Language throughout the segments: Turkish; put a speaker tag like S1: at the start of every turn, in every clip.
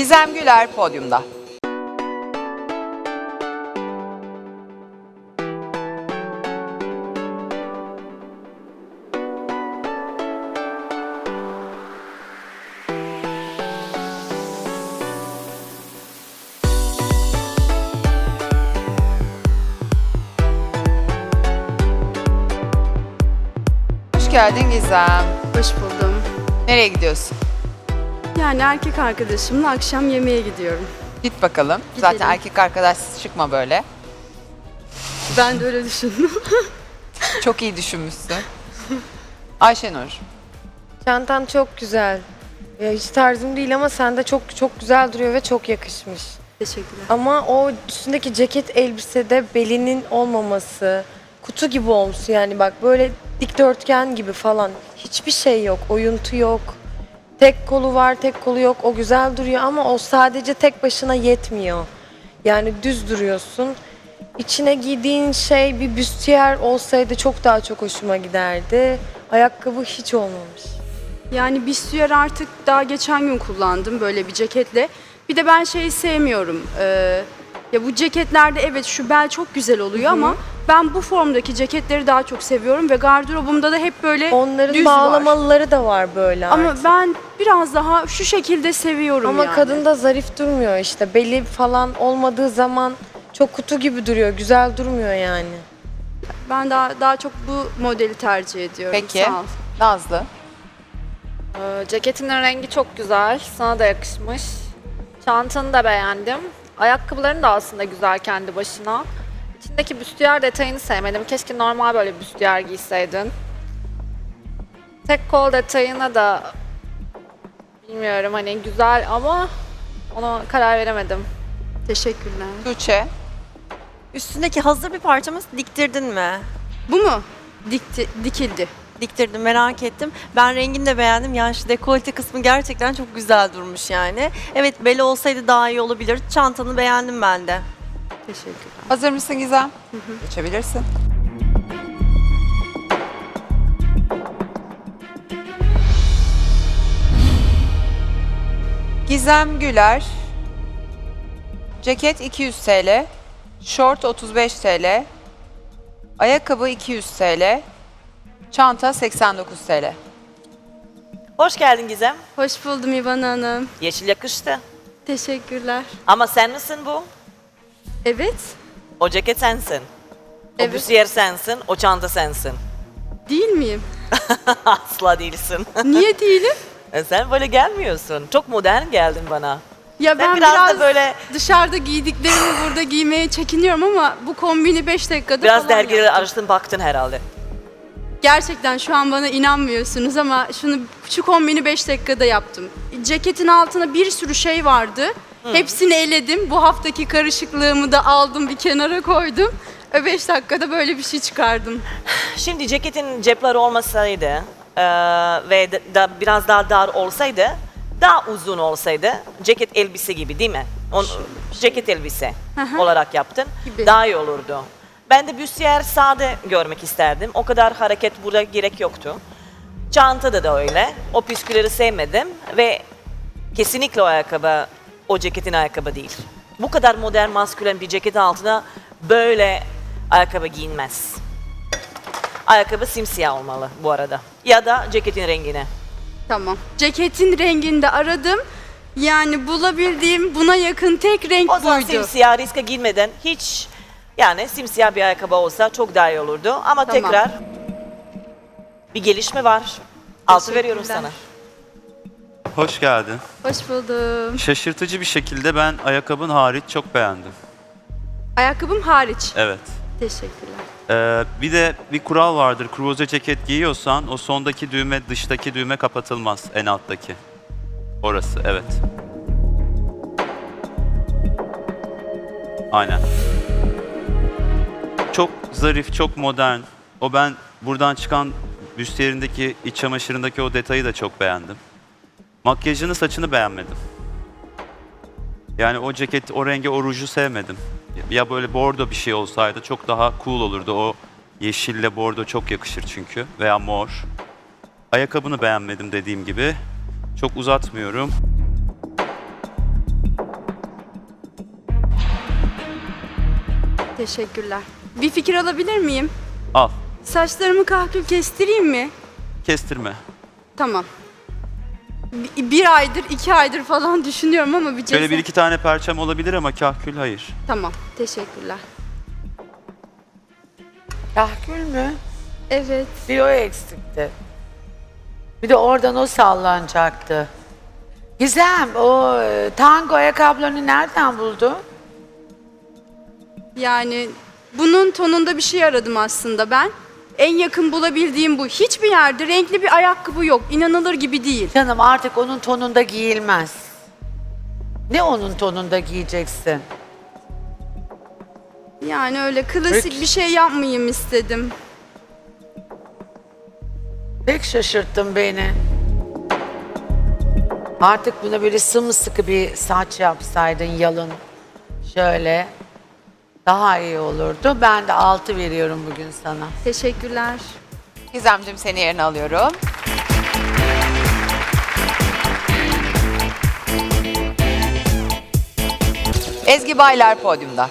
S1: Gizem Güler podyumda. Hoş geldin Gizem.
S2: Hoş buldum.
S1: Nereye gidiyorsun?
S2: Yani erkek arkadaşımla akşam yemeğe gidiyorum.
S1: Git bakalım.
S2: Gidelim.
S1: Zaten erkek arkadaş çıkma böyle.
S2: Ben de öyle düşündüm.
S1: Çok iyi düşünmüşsün. Ayşenur.
S3: Çantan çok güzel. Ya hiç tarzım değil ama sende çok çok güzel duruyor ve çok yakışmış.
S2: Teşekkürler.
S3: Ama o üstündeki ceket elbisede belinin olmaması, kutu gibi olmuş yani bak böyle dikdörtgen gibi falan. Hiçbir şey yok, oyuntu yok. Tek kolu var, tek kolu yok. O güzel duruyor ama o sadece tek başına yetmiyor. Yani düz duruyorsun. İçine giydiğin şey bir büstiyer olsaydı çok daha çok hoşuma giderdi. Ayakkabı hiç olmamış.
S2: Yani büstiyer artık daha geçen gün kullandım böyle bir ceketle. Bir de ben şeyi sevmiyorum. Ya bu ceketlerde evet şu bel çok güzel oluyor ama ben bu formdaki ceketleri daha çok seviyorum ve gardırobumda da hep böyle
S3: Onların
S2: düz var.
S3: bağlamalıları da var böyle
S2: Ama
S3: artık.
S2: ben biraz daha şu şekilde seviyorum
S3: Ama
S2: yani.
S3: kadın da zarif durmuyor işte. Beli falan olmadığı zaman çok kutu gibi duruyor. Güzel durmuyor yani.
S2: Ben daha çok bu modeli tercih ediyorum.
S1: Peki.
S2: Sağ ol.
S1: Nazlı.
S4: Ceketinin rengi çok güzel. Sana da yakışmış. Çantanı da beğendim. Ayakkabıların da aslında güzel kendi başına. İçindeki büstiyer detayını sevmedim. Keşke normal böyle büstiyer giyseydin. Tek kol detayına da bilmiyorum hani güzel ama ona karar veremedim.
S2: Teşekkürler.
S1: Tuğçe.
S5: Üstündeki hazır bir parçamı diktirdin mi?
S2: Bu mu? Dikildi.
S5: Diktirdim, merak ettim. Ben rengini de beğendim. Yani şu dekolte kısmı gerçekten çok güzel durmuş yani. Evet, beli olsaydı daha iyi olabilir. Çantanı beğendim ben de.
S2: Teşekkürler.
S1: Hazır mısın Gizem? Geçebilirsin. Gizem Güler. Ceket 200 TL. Şort 35 TL. Ayakkabı 200 TL. Çanta 89 TL.
S6: Hoş geldin Gizem.
S2: Hoş buldum İvan Hanım.
S6: Yeşil yakıştı.
S2: Teşekkürler.
S6: Ama sen misin bu?
S2: Evet,
S6: O ceket sensin. O
S2: Evet.
S6: büstiyer sensin, o çanta sensin.
S2: değil miyim?
S6: Asla değilsin.
S2: Niye değilim?
S6: Sen böyle gelmiyorsun. Çok modern geldin bana.
S2: Ya ben
S6: biraz
S2: biraz
S6: da böyle-
S2: dışarıda giydiklerimi burada giymeye çekiniyorum ama bu kombini 5 dakikada
S6: Biraz
S2: falan
S6: dergileri
S2: yaptım.
S6: araştırdın baktın herhalde.
S2: Gerçekten şu an bana inanmıyorsunuz ama şu kombini 5 dakikada yaptım. Ceketin altına bir sürü şey vardı. Hepsini eledim. Bu haftaki karışıklığımı da aldım bir kenara koydum. 5 dakikada böyle bir şey çıkardım.
S6: Şimdi ceketin cepleri olmasaydı ve biraz daha dar olsaydı, daha uzun olsaydı, ceket elbise gibi değil mi? Ceket elbise olarak yaptın.
S2: Gibi.
S6: Daha iyi olurdu. Ben de büstiyer sade görmek isterdim. O kadar hareket burada gerek yoktu. Çantada da öyle. O püskülleri sevmedim ve kesinlikle o ayakkabı, o ceketin ayakkabı değil. Bu kadar modern, maskülen bir ceket altına böyle ayakkabı giyinmez. Ayakkabı simsiyah olmalı bu arada. Ya da ceketin rengine.
S2: Tamam. Ceketin renginde aradım. Yani bulabildiğim buna yakın tek renk
S6: O zaman
S2: buydu.
S6: simsiyah riske girmeden hiç yani simsiyah bir ayakkabı olsa çok daha iyi olurdu. Ama
S2: Tamam.
S6: tekrar bir gelişme var. Altı veriyorum
S2: Teşekkürler.
S6: sana.
S7: Hoş geldin.
S2: Hoş buldum.
S7: Şaşırtıcı bir şekilde ben ayakkabın hariç çok beğendim.
S2: Ayakkabım hariç.
S7: Evet.
S2: Teşekkürler.
S7: Bir de bir kural vardır. Kruvaze ceket giyiyorsan o sondaki düğme, dıştaki düğme kapatılmaz. En alttaki. Orası, evet. Aynen. Çok zarif, çok modern. Ben buradan çıkan büstiyerindeki, iç çamaşırındaki o detayı da çok beğendim. Makyajını, saçını beğenmedim. Yani o ceket, o rengi, o ruju sevmedim. Ya böyle bordo bir şey olsaydı çok daha cool olurdu. O yeşille bordo çok yakışır çünkü. Veya mor. Ayakkabını beğenmedim dediğim gibi. Çok uzatmıyorum.
S2: Teşekkürler. Bir fikir alabilir miyim?
S7: Al.
S2: Saçlarımı kahkül kestireyim mi?
S7: Kestirme.
S2: Tamam. Bir aydır, 2 aydır falan düşünüyorum ama bir
S7: Şöyle
S2: cesaret...
S7: bir iki tane perçem olabilir ama kahkül hayır.
S2: Tamam, teşekkürler.
S8: Kahkül mü?
S2: Evet.
S8: Bir o eksikti. Bir de oradan o sallanacaktı. Gizem, o tango ayakkabılarını nereden buldun?
S2: Yani bunun tonunda bir şey aradım aslında ben. En yakın bulabildiğim bu. Hiçbir yerde renkli bir ayakkabı yok. İnanılır gibi değil.
S8: Canım artık onun tonunda giyilmez. Ne onun tonunda giyeceksin?
S2: Yani öyle klasik
S8: Peki.
S2: bir şey yapmayayım istedim.
S8: Pek şaşırttın beni. Artık buna böyle sımsıkı bir saç yapsaydın yalın. Şöyle. Daha iyi olurdu. Ben de 6 veriyorum bugün sana.
S2: Teşekkürler.
S1: Gizemciğim seni yerine alıyorum. Ezgi Baylar podyumda.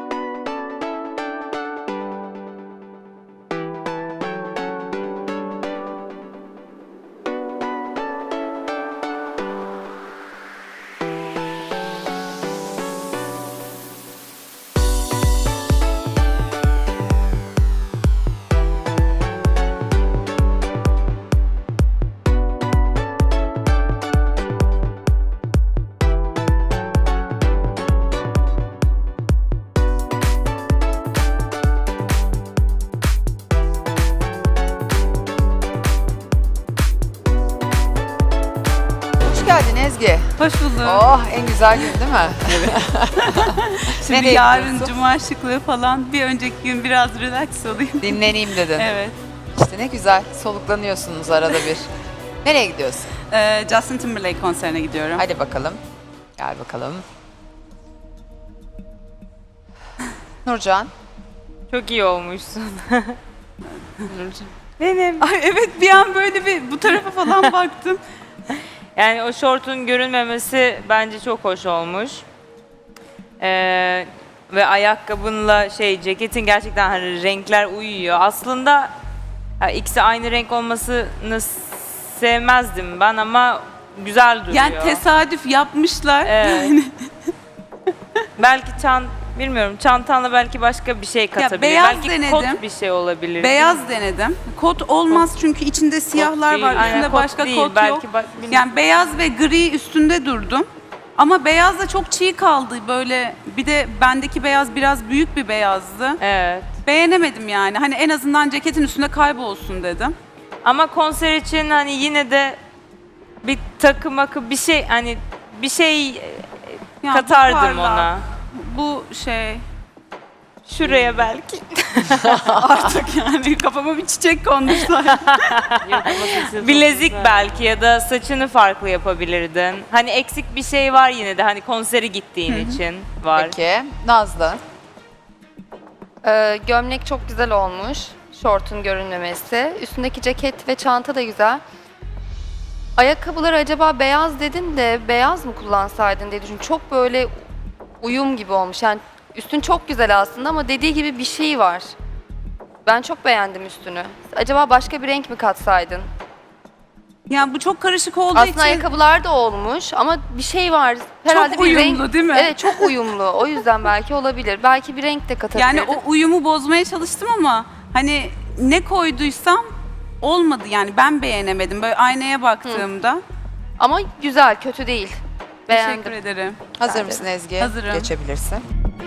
S1: Hoş geldin Ezgi.
S9: Hoş bulduk.
S1: Oh en güzel gün değil mi?
S9: Şimdi
S1: nereye
S9: yarın
S1: gidiyorsun?
S9: cuma şıklığı falan, bir önceki gün biraz relax olayım.
S1: Dinleneyim dedin.
S9: Evet.
S1: İşte ne güzel soluklanıyorsunuz arada bir. Nereye gidiyorsun?
S9: Justin Timberlake konserine gidiyorum.
S1: Hadi bakalım. Gel bakalım. Nurcan.
S10: Çok iyi olmuşsun. Benim.
S9: Ay evet, bir an böyle bir bu tarafa falan baktım.
S10: Yani o şortun görünmemesi bence çok hoş olmuş. Ve ayakkabınla ceketin gerçekten hani renkler uyuyor. Aslında ikisi aynı renk olmasını sevmezdim ben ama güzel duruyor.
S9: Yani tesadüf yapmışlar.
S10: Evet. Belki bilmiyorum, çantanla belki başka bir şey katabilir.
S9: beyaz
S10: belki
S9: denedim.
S10: kot bir şey olabilir.
S9: Beyaz denedim. Kot olmaz çünkü içinde siyahlar
S10: değil,
S9: var.
S10: aynen,
S9: Üstünde
S10: kot
S9: başka
S10: değil,
S9: kot
S10: belki
S9: yok.
S10: bilmiyorum.
S9: Yani beyaz ve gri üstünde durdum. Ama beyaz da çok çiğ kaldı böyle. Bir de bendeki beyaz biraz büyük bir beyazdı.
S10: Evet.
S9: Beğenemedim yani. Hani en azından ceketin üstünde kaybolsun dedim.
S10: Ama konser için hani yine de bir takı makı bir şey hani bir şey
S9: Ya bu
S10: katardım
S9: parlak,
S10: ona.
S9: Bu
S10: Şuraya belki.
S9: artık yani kafama bir çiçek konmuşlar.
S10: Bilezik belki ya da saçını farklı yapabilirdin. Hani eksik bir şey var yine de hani konsere gittiğin için var.
S1: Peki. Nazlı.
S11: Gömlek çok güzel olmuş. Şortun görünmemesi. Üstündeki ceket ve çanta da güzel. Ayakkabıları acaba beyaz dedin de beyaz mı kullansaydın diye düşündüm. Çok böyle uyum gibi olmuş. Yani üstün çok güzel aslında ama dediği gibi bir şey var. Ben çok beğendim üstünü. Acaba başka bir renk mi katsaydın?
S9: Yani bu çok karışık olduğu
S11: Aslında
S9: için
S11: ayakkabılar da olmuş ama bir şey var. Herhalde
S9: çok
S11: bir
S9: uyumlu
S11: renk...
S9: değil mi?
S11: Evet çok uyumlu. O yüzden belki olabilir. Belki bir renk de katabilirdin.
S9: Yani o uyumu bozmaya çalıştım ama hani ne koyduysam olmadı yani ben beğenemedim. Böyle aynaya baktığımda.
S11: Ama güzel, kötü değil. Beğendim.
S9: Teşekkür ederim.
S1: Hazır mısın Ezgi?
S9: Hazırım.
S1: Geçebilirsin.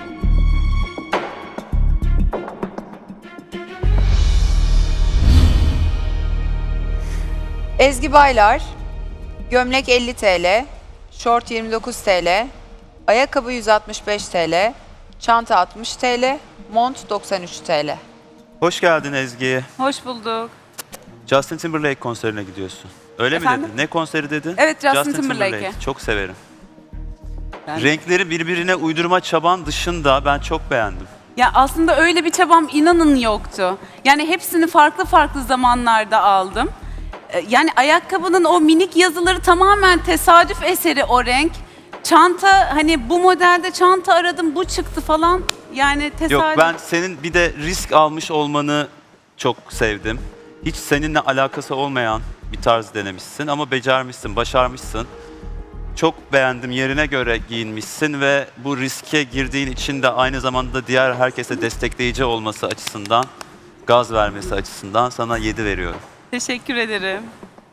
S1: Ezgi Baylar, gömlek 50 TL, şort 29 TL, ayakkabı 165 TL, çanta 60 TL, mont 93 TL.
S7: Hoş geldin Ezgi.
S9: Hoş bulduk.
S7: Justin Timberlake konserine gidiyorsun. Öyle
S9: Efendim?
S7: mi dedin? Ne konseri dedin?
S9: Evet, Justin Timberlake'e.
S7: Çok severim.
S9: Ben-
S7: Renkleri birbirine uydurma çaban dışında ben çok beğendim.
S9: Ya aslında öyle bir çabam inanın yoktu. Yani hepsini farklı farklı zamanlarda aldım. Yani ayakkabının o minik yazıları tamamen tesadüf eseri o renk. Çanta hani bu modelde çanta aradım bu çıktı falan. Yani tesadüf.
S7: Yok, ben senin bir de risk almış olmanı çok sevdim. Hiç seninle alakası olmayan bir tarz denemişsin ama becermişsin, başarmışsın. Çok beğendim, yerine göre giyinmişsin ve bu riske girdiğin için de aynı zamanda diğer herkese destekleyici olması açısından, gaz vermesi açısından sana 7 veriyorum.
S9: Teşekkür ederim.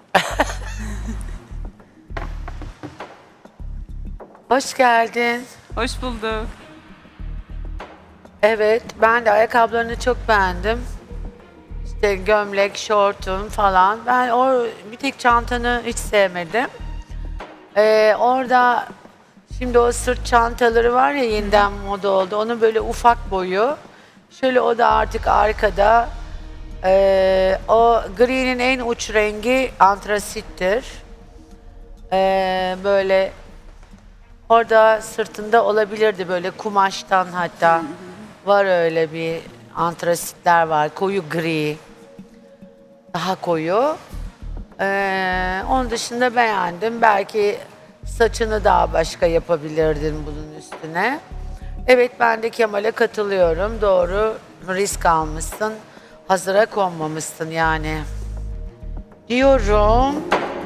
S8: Hoş geldin.
S9: Hoş bulduk.
S8: Evet, ben de ayakkabılarını çok beğendim. İşte gömlek, şortun falan. Ben bir tek çantanı hiç sevmedim. Orada şimdi o sırt çantaları var ya, yeniden moda oldu. Onun böyle ufak boyu. Şöyle o da artık arkada. O gri'nin en uç rengi antrasittir. Böyle orada sırtında olabilirdi, böyle kumaştan hatta. Var öyle bir antrasitler var. Koyu gri. Daha koyu. Onun dışında beğendim. Belki saçını daha başka yapabilirdin bunun üstüne. Evet, ben de Kemal'e katılıyorum. Doğru, risk almışsın. Hazıra konmamışsın yani. Diyorum.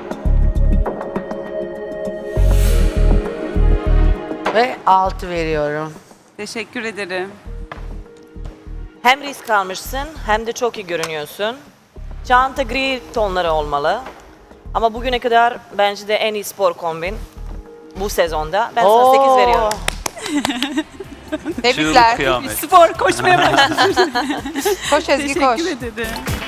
S8: Ve 6 veriyorum.
S9: Teşekkür ederim.
S6: Hem risk almışsın hem de çok iyi görünüyorsun. Çanta gri tonları olmalı. Ama bugüne kadar bence de en iyi spor kombin bu sezonda. Ben sana 8 veriyorum.
S1: Tebrikler.
S7: Çığlık kıyamet.
S9: Spor koşmaya başladım.
S1: Koş Ezgi koş.
S9: Teşekkür ederim.